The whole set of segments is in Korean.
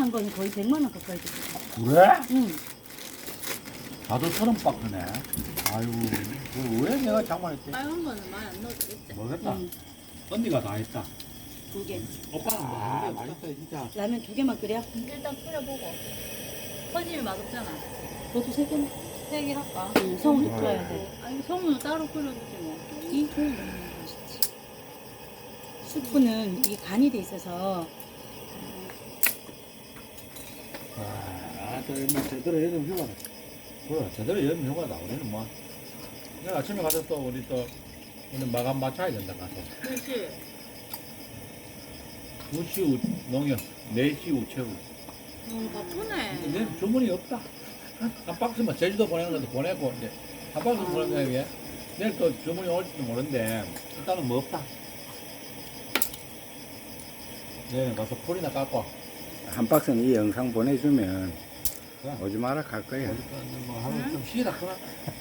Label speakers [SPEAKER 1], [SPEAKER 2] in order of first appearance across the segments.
[SPEAKER 1] 산 거는 거의 100만 원 가까이 들었어.
[SPEAKER 2] 그래?
[SPEAKER 1] 응.
[SPEAKER 2] 나도 30박스네. 아유, 왜 내가 장만했지?
[SPEAKER 3] 빨간 거는 많이 안 넣어도 되겠지.
[SPEAKER 2] 모르겠다.
[SPEAKER 1] 응.
[SPEAKER 2] 언니가 다 했다.
[SPEAKER 1] 2개.
[SPEAKER 2] 오빠는 뭐 맛있어 진짜.
[SPEAKER 1] 라면 2개만 끓여?
[SPEAKER 3] 일단 끓여보고. 터지면 맛없잖아.
[SPEAKER 1] 너도 3개만.
[SPEAKER 3] 3개 할까?
[SPEAKER 1] 응, 성우도 끓여야 돼.
[SPEAKER 3] 아니, 소문은 따로 끓여주지 뭐.
[SPEAKER 1] 이 소금 넣는 게 맛있지. 수프는 이게 간이 돼 있어서
[SPEAKER 2] 또 얼마 제대로 여름 휴가다. 그래, 제대로 여름 휴가다. 우리는 뭐. 내가 아침에 가서 또 우리 오늘 마감 맞춰야 된다 가서.
[SPEAKER 3] 몇 시?
[SPEAKER 2] 2시 농협, 4시 우체국.
[SPEAKER 3] 바쁘네.
[SPEAKER 2] 내 주문이 없다. 한 박스만 제주도 보내는 것도 보내고 이제 한 박스 보내는 게 내일 또 주문이 올지도 모르는데 일단은 뭐 없다. 내일 가서 풀이나 깎고.
[SPEAKER 4] 한 박스는 이 영상 보내주면
[SPEAKER 2] 그래.
[SPEAKER 4] 오지 마라 갈 거야.
[SPEAKER 2] 뭐 하루 좀 쉬다 그나.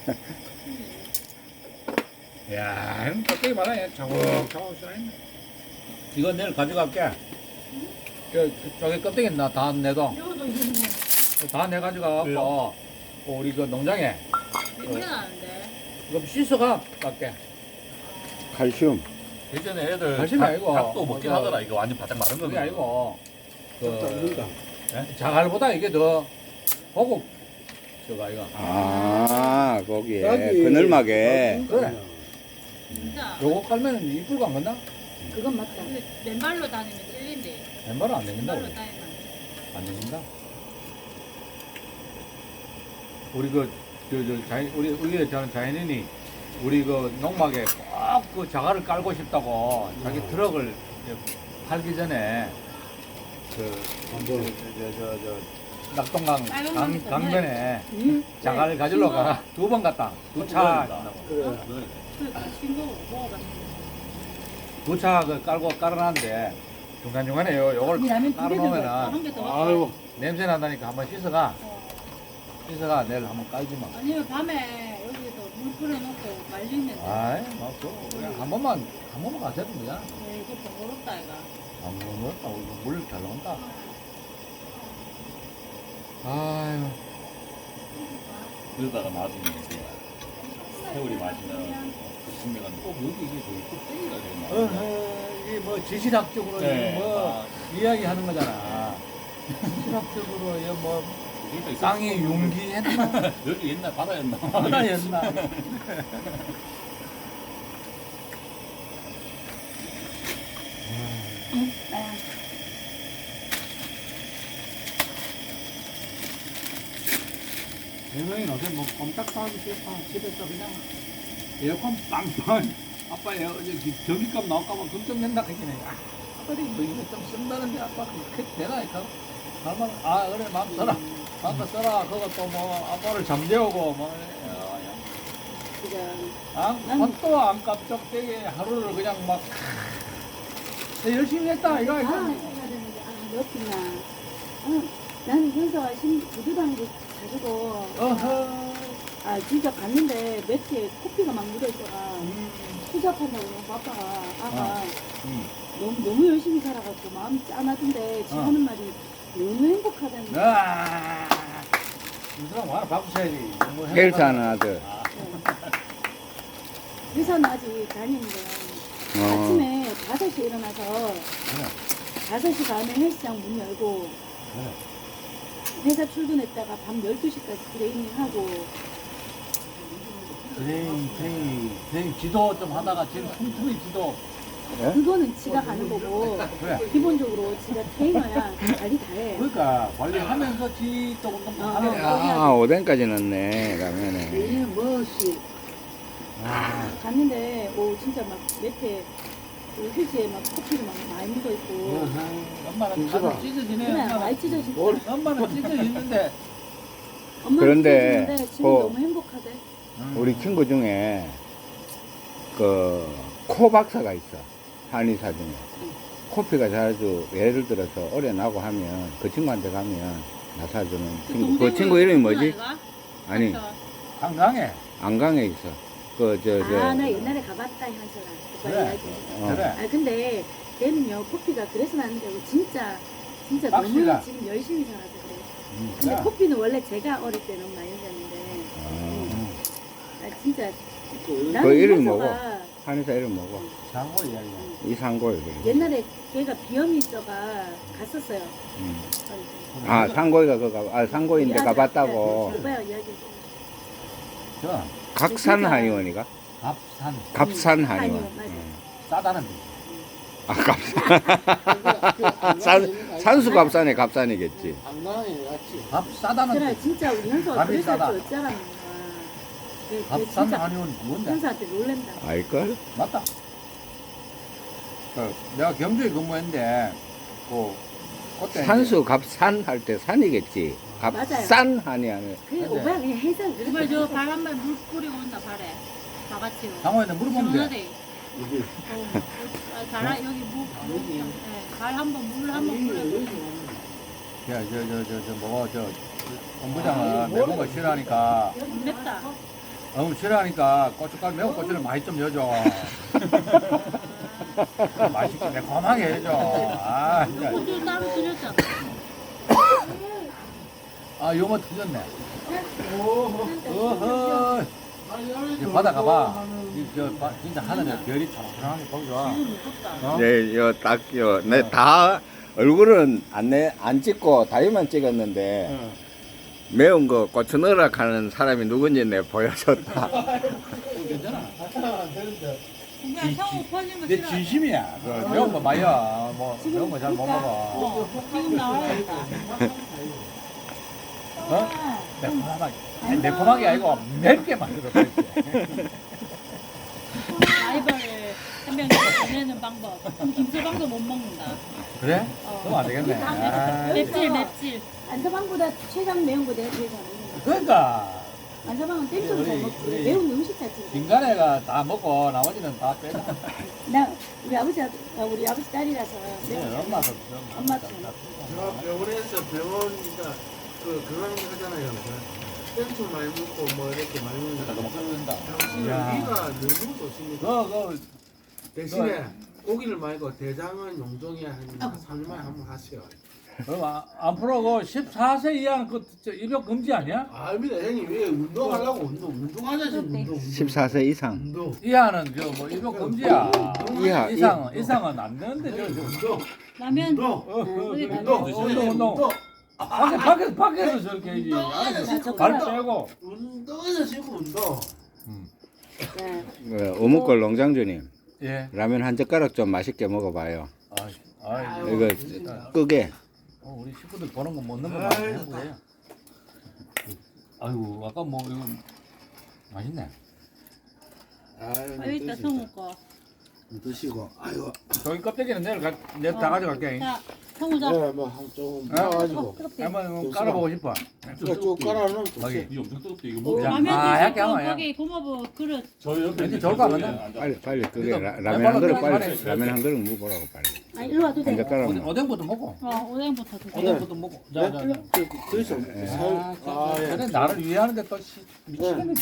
[SPEAKER 2] 야, 형 껍데기 말아야 차곡차곡 쏘네. 이거 내일 가져갈게. 저기 껍데기 나다 내도
[SPEAKER 3] 이거도 이거
[SPEAKER 2] 다 내 가져가갖고 우리 그 농장에
[SPEAKER 3] 냄새 나는데.
[SPEAKER 2] 이거 씻어가 갈게.
[SPEAKER 4] 칼슘.
[SPEAKER 5] 예전에 애들
[SPEAKER 2] 사실은 아니고
[SPEAKER 5] 닭도 먹긴
[SPEAKER 2] 그거-
[SPEAKER 5] 하더라. 이거 완전 바짝 마른
[SPEAKER 2] 그게
[SPEAKER 5] 거는.
[SPEAKER 2] 아니고 그 자갈보다 이게 더 고급 저거 이거.
[SPEAKER 4] 아 거기에 그늘막에.
[SPEAKER 2] 그래.
[SPEAKER 3] 진짜.
[SPEAKER 2] 요거 깔면은 이쁠 거 안 건나?
[SPEAKER 1] 그건 맞다.
[SPEAKER 3] 근데 맨발로 다니면 찔린대.
[SPEAKER 2] 왼발은 안 되긴다.
[SPEAKER 3] 맨발로
[SPEAKER 2] 우리.
[SPEAKER 3] 다니면 안 돼.
[SPEAKER 2] 안 되긴다. 우리 우리 저는 자연인이 우리 그 농막에 꼭 그 자갈을 깔고 싶다고 자기 트럭을 이제 팔기 전에 낙동강
[SPEAKER 3] 빨간
[SPEAKER 2] 강변에
[SPEAKER 1] 응?
[SPEAKER 2] 자갈을 가지러 가라. 2번 갔다. 두차
[SPEAKER 3] 그러니까 신고 먹어봤어.
[SPEAKER 2] 두차 그 깔아놨는데 중간중간에 요걸
[SPEAKER 1] 이 라면 2개
[SPEAKER 2] 깔아놓으면은
[SPEAKER 3] 한개더
[SPEAKER 2] 아이고 냄새 난다니까 한번 씻어가. 씻어가 내일 한번 깔지 마.
[SPEAKER 3] 아니면 밤에 여기서 물 끓여놓고 말리면 돼.
[SPEAKER 2] 아이, 뭐, 그냥 한 번만 가셔도 되잖아.
[SPEAKER 3] 이거 번거롭다 이가.
[SPEAKER 2] 안 먹었다. 물잘 나온다. 아유.
[SPEAKER 5] 그러다가 나중에 이제 세월이 마시는 신명은 꼭 여기 이게 저기 껍데기가 되게 많아.
[SPEAKER 2] 이게 뭐 지질학적으로
[SPEAKER 5] 네.
[SPEAKER 2] 뭐 이야기하는 거잖아. 지질학적으로 이거 뭐
[SPEAKER 5] 그러니까
[SPEAKER 2] 땅이 융기했나?
[SPEAKER 5] 여기 옛날 바다였나?
[SPEAKER 2] 바다였나? 대명이 어제 뭐 꼼짝도 하기 싫다. 집에서 그냥 에어컨 빵빵. 아빠 전기값 나올까봐 걱정된다 했더니 아빠들이 뭐 이거 좀 쓴다는데 아빠 그렇게 되나 이까 할만 그래 마음 써라. 마음 써라. 그것도 뭐 아빠를 잠재우고 뭐 돈도 안 깜짝되게 하루를 그냥 막 열심히 했다 이거
[SPEAKER 1] 해야
[SPEAKER 2] 이거.
[SPEAKER 1] 되는데 넣었구나. 나는 현서가 부두당도 가지고
[SPEAKER 2] 어허.
[SPEAKER 1] 진짜 갔는데 매트에 코피가 막 묻어있더라. 투잡한다고 너무 아빠가 아가 너무 열심히 살아갖고 마음이 짠하던데 지 하는 말이 너무 행복하다는 거야.
[SPEAKER 2] 이 사람 와라 박수 쳐야지. 뭐
[SPEAKER 4] 헬스하는 아들.
[SPEAKER 1] 회사는 아직 다니는데 아침에 5시에 일어나서 5시 반에 헬스장 문 열고 회사 출근했다가 밤 12시까지 트레이닝하고
[SPEAKER 2] 선생님 지도 좀 하다가 지금 틈틈이 지도.
[SPEAKER 1] 그거는 지가 가는 거고
[SPEAKER 2] 그래.
[SPEAKER 1] 기본적으로 지가 트레이너야 관리 다 해.
[SPEAKER 2] 그러니까 관리하면서 지도 운동 하는 거야.
[SPEAKER 4] 아 오뎅까지 넣네 라면에.
[SPEAKER 1] 멋이 갔는데 진짜 막 매트에 휴지에 막 커피를 막 많이 묻어 있고
[SPEAKER 2] 엄마는 가슴 찢어지네.
[SPEAKER 1] 그냥
[SPEAKER 2] 엄마는.
[SPEAKER 1] 많이 찢어진다.
[SPEAKER 2] 엄마는 찢어지는데.
[SPEAKER 1] 엄마는
[SPEAKER 4] 그런데
[SPEAKER 1] 찢어지는데 지금
[SPEAKER 4] 그-
[SPEAKER 1] 너무 행복하대.
[SPEAKER 4] 우리 친구 중에 그 코 박사가 있어. 한의사 중에. 코피가 자주 예를 들어서 오래 나고 하면 그 친구한테 가면 나사주는 친구. 그 친구 이름이 뭐지? 아니
[SPEAKER 2] 한강에.
[SPEAKER 4] 안강에 있어.
[SPEAKER 1] 나 옛날에 가봤다 현서랑 오빠
[SPEAKER 2] 그래.
[SPEAKER 1] 이야기.
[SPEAKER 2] 그래.
[SPEAKER 1] 근데 걔는요 코피가 그래서 나는 게 아니고 진짜 진짜
[SPEAKER 2] 빡시다.
[SPEAKER 1] 너무 지금 열심히 살아서 그래. 근데
[SPEAKER 2] 야.
[SPEAKER 1] 커피는 원래 제가 어릴 때 너무 많이 먹었는데 나 진짜
[SPEAKER 4] 그
[SPEAKER 1] 나는
[SPEAKER 4] 이름
[SPEAKER 1] 현서가
[SPEAKER 4] 뭐고? 한의사 이름 뭐고?
[SPEAKER 2] 장고 이야기야.
[SPEAKER 4] 이상골.
[SPEAKER 1] 옛날에 걔가 비염이 있어가 갔었어요.
[SPEAKER 4] 아, 상고이가 상고인데 가봤다고.
[SPEAKER 1] 오빠야 이야기해.
[SPEAKER 2] 저
[SPEAKER 4] 각산 한의원이가?
[SPEAKER 2] 밥산
[SPEAKER 4] 갑산 한의원.
[SPEAKER 1] 한의원, 맞아.
[SPEAKER 2] 싸다는 데.
[SPEAKER 4] 아, 갑산. 산수 갑산에 갑산이겠지.
[SPEAKER 6] 안나이 같이.
[SPEAKER 2] 밥 싸다는
[SPEAKER 1] 그래
[SPEAKER 2] 데.
[SPEAKER 1] 진짜 우리 현서가
[SPEAKER 2] 밥이
[SPEAKER 1] 그래서
[SPEAKER 2] 싸다.
[SPEAKER 1] 어쩌라는 거야. 걔
[SPEAKER 2] 밥산
[SPEAKER 1] 진짜
[SPEAKER 2] 아니면 뭔데?
[SPEAKER 1] 현서한테 놀랜다.
[SPEAKER 4] 알걸?
[SPEAKER 2] 맞다. 내가 경주에 근무했는데 그때
[SPEAKER 4] 산수 갑산 할 때 산이겠지.
[SPEAKER 1] 맞아요.
[SPEAKER 4] 갑산 한이 아니야.
[SPEAKER 1] 그
[SPEAKER 2] 맞아요.
[SPEAKER 1] 오빠야 그냥 해서
[SPEAKER 3] 이발 저발 한 발 물 뿌리고 온다 발에. 다 같이요.
[SPEAKER 2] 장호한테 물어보면 돼.
[SPEAKER 3] 시원하대. 발 여기 발 한번 물 한번 뿌려.
[SPEAKER 2] 저 뭐가 저 본부장은 매운 거 싫어하니까
[SPEAKER 3] 맵다.
[SPEAKER 2] 너무 싫어하니까 고춧가루 매운 고추를 많이 좀 넣어줘. 맛있게 매콤하게 해줘. 아 진짜.
[SPEAKER 3] 고추 따로 드렸잖아.
[SPEAKER 2] 아 요거 틀렸네. 어허. 이제 바다 가봐. 진짜 하늘에 별이 촉촉하게 보이죠.
[SPEAKER 3] 지금 무섭다.
[SPEAKER 4] 네, 내 다 얼굴은 안 찍고 다리만 찍었는데 매운 거 고추 넣으라 하는 사람이 누군지 내 보여줬다.
[SPEAKER 2] 괜찮아.
[SPEAKER 3] 그냥 성우 퍼지면
[SPEAKER 2] 내
[SPEAKER 3] 싫어.
[SPEAKER 2] 진심이야. 그 매운 거 많이야. 뭐 매운 거 잘 못 먹어.
[SPEAKER 3] 지금 나와야겠다.
[SPEAKER 2] 어? 매콤하게. 아니, 매콤하게 아니고 맵게 만들어.
[SPEAKER 3] 라이벌을 한 명이 보내는 방법. 그럼 김서방도 못 먹는다.
[SPEAKER 2] 그래?
[SPEAKER 3] 어.
[SPEAKER 2] 그럼 안 되겠네. 아,
[SPEAKER 3] 맵질.
[SPEAKER 1] 안서방보다 최강 매운 거 내가 제일 잘 먹는 거야.
[SPEAKER 2] 그러니까
[SPEAKER 1] 안서방은 땡초를 잘 먹지.
[SPEAKER 2] 우리-
[SPEAKER 1] 매운 음식 자체를.
[SPEAKER 2] 인간애가 다 먹고 나머지는 다 빼자.
[SPEAKER 1] 나 우리 아버지 딸이라서
[SPEAKER 2] 네, 엄마도
[SPEAKER 1] 엄마도.
[SPEAKER 6] 제가 병원에서 병원이니까 그런 거 하잖아요. 땡초 많이 먹고 뭐 이렇게 많이 먹는다.
[SPEAKER 5] 너무 끓는다.
[SPEAKER 6] 당신은
[SPEAKER 2] 야.
[SPEAKER 6] 위가 너무 좋습니다.
[SPEAKER 2] 그
[SPEAKER 6] 대신에 고기를 말고 대장은 용종에 한 3일만에 한번 하세요.
[SPEAKER 2] 앞으로 그 14세 이하는 입역 금지 아니야?
[SPEAKER 6] 아닙니다. 형님 왜 운동하려고 운동하자 지금 운동.
[SPEAKER 4] 14세 이상.
[SPEAKER 6] 운동.
[SPEAKER 2] 이하는 뭐 입역 금지야.
[SPEAKER 4] 이하,
[SPEAKER 2] 이상은 안 되는데
[SPEAKER 6] 운동.
[SPEAKER 3] 라면
[SPEAKER 6] 운동.
[SPEAKER 3] 여기
[SPEAKER 6] 운동.
[SPEAKER 2] 운동. 밖에서 저렇게 해야지. 안에서 발 빼고.
[SPEAKER 6] 운동에서 지금 운동.
[SPEAKER 1] 네.
[SPEAKER 4] 어묵골 농장주님
[SPEAKER 2] 예.
[SPEAKER 4] 라면 한 젓가락 좀 맛있게 먹어봐요.
[SPEAKER 2] 아이고.
[SPEAKER 4] 이거 끄게.
[SPEAKER 2] 우리 식구들 보는 거 먹는 거 많이 해보세요. 아이고 아까 뭐 이거 맛있네.
[SPEAKER 3] 여기 있다 성우 거.
[SPEAKER 6] 드시고. 아이고.
[SPEAKER 2] 저기 껍데기는 내일 다 가져갈게.
[SPEAKER 3] 자 성우 자.
[SPEAKER 6] 네, 뭐한 조금 파가지고.
[SPEAKER 2] 한번 깔아보고 싶어.
[SPEAKER 6] 이거 쭉 깔아놓고.
[SPEAKER 2] 거기.
[SPEAKER 5] 이게 엄청 뜨겁대. 이거
[SPEAKER 3] 오,
[SPEAKER 5] 뭐?
[SPEAKER 3] 라면
[SPEAKER 2] 약게
[SPEAKER 3] 드실 거
[SPEAKER 2] 하면
[SPEAKER 3] 거기 고마워 그릇.
[SPEAKER 5] 저 옆에
[SPEAKER 2] 왠지
[SPEAKER 5] 있는
[SPEAKER 2] 좋을 것 같은데?
[SPEAKER 5] 앉아.
[SPEAKER 4] 빨리 끄게.
[SPEAKER 2] 이거
[SPEAKER 4] 라면 한 그릇
[SPEAKER 2] 빨리
[SPEAKER 4] 빨리. 라면 한 그릇 먹어보라고 빨리.
[SPEAKER 1] 아 일로 와도
[SPEAKER 4] 한
[SPEAKER 1] 돼.
[SPEAKER 4] 젓가락.
[SPEAKER 2] 오뎅부터 먹고.
[SPEAKER 3] 오뎅부터 드세요.
[SPEAKER 2] 오뎅부터 먹고. 자.
[SPEAKER 6] 그래서
[SPEAKER 2] 그래 나를 위하는데 또 미치겠네.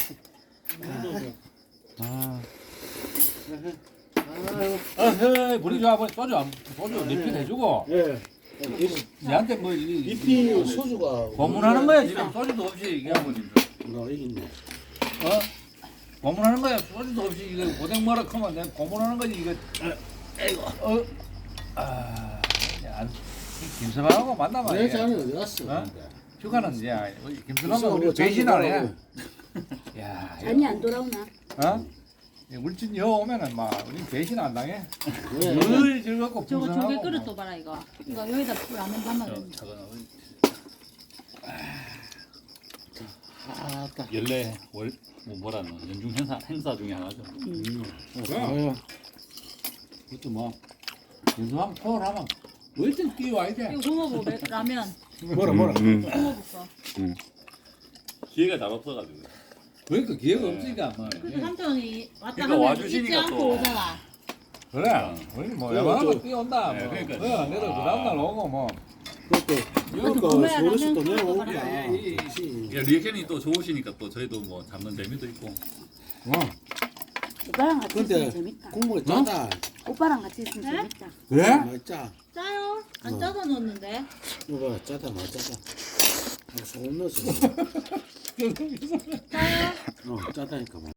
[SPEAKER 2] 우리 저 아버지 소주 리필 해주고.
[SPEAKER 6] 예.
[SPEAKER 2] 얘한테 뭐
[SPEAKER 6] 잎이 소주가
[SPEAKER 2] 고문하는 거야 지금 소주도 없이 이게 아버지.
[SPEAKER 6] 여기 있네.
[SPEAKER 2] 고문하는 거야 소주도 없이 이거 고생 뭐라 하면 내가 고문하는 거지 이거. 아이고. 김서방하고 만나면
[SPEAKER 6] 내 잔이 어디 갔어?
[SPEAKER 2] 어? 휴가는 이제 김서방은
[SPEAKER 6] 있어,
[SPEAKER 2] 우리
[SPEAKER 6] 뭐
[SPEAKER 2] 배신 안 해.
[SPEAKER 6] 잔이
[SPEAKER 2] 야,
[SPEAKER 1] 잔이 안 돌아오나?
[SPEAKER 2] 어? 울진 여 오면은 막 우리 배신 안 당해.
[SPEAKER 6] 네.
[SPEAKER 2] 늘 즐겁고
[SPEAKER 3] 저거 조개
[SPEAKER 2] 풍성하고.
[SPEAKER 3] 그릇도 봐라 이거. 이거 여기다 라면 담아.
[SPEAKER 5] 작은
[SPEAKER 6] 아따.
[SPEAKER 5] 연례 뭐라는 연중 행사 중에 하나죠.
[SPEAKER 6] 아유.
[SPEAKER 2] 그것도 뭐 김서방 토하면 어쨌든 끼워야 돼.
[SPEAKER 3] 이거 고마워 라면.
[SPEAKER 6] 뭐라.
[SPEAKER 3] 고마워 거.
[SPEAKER 5] 기회가 잘 없어가지고.
[SPEAKER 2] 그러니까 기회가 없으니까 뭐.
[SPEAKER 3] 그래서 삼촌이 왔다
[SPEAKER 5] 그러니까
[SPEAKER 3] 하면
[SPEAKER 5] 와주시니까
[SPEAKER 3] 잊지 않고
[SPEAKER 5] 또.
[SPEAKER 3] 오잖아.
[SPEAKER 2] 그래. 우리 뭐
[SPEAKER 6] 그래,
[SPEAKER 2] 야만한 거
[SPEAKER 6] 저-
[SPEAKER 2] 뛰어온다.
[SPEAKER 5] 네,
[SPEAKER 2] 뭐.
[SPEAKER 5] 그러니까.
[SPEAKER 2] 내가 그 다음날 오고 뭐.
[SPEAKER 6] 그것도
[SPEAKER 3] 구매하라면
[SPEAKER 6] 서울에서 또
[SPEAKER 3] 그런 거
[SPEAKER 6] 내려오구나.
[SPEAKER 3] 봐라.
[SPEAKER 5] 그러니까 리액션이 또 좋으시니까 또 저희도 뭐 잡는 재미도 있고.
[SPEAKER 1] 오빠랑 같이
[SPEAKER 6] 근데
[SPEAKER 1] 있으면 재밌다.
[SPEAKER 6] 국물이 짜다.
[SPEAKER 1] 오빠랑 같이 있으면
[SPEAKER 3] 네?
[SPEAKER 1] 재밌다.
[SPEAKER 2] 그래?
[SPEAKER 6] 맛있자.
[SPEAKER 3] 짜요. 안 짜다 넣었는데.
[SPEAKER 6] 이거 봐, 짜다 마 짜다. 소금 넣었어.
[SPEAKER 3] 짜요?
[SPEAKER 6] 짜다니까 뭐.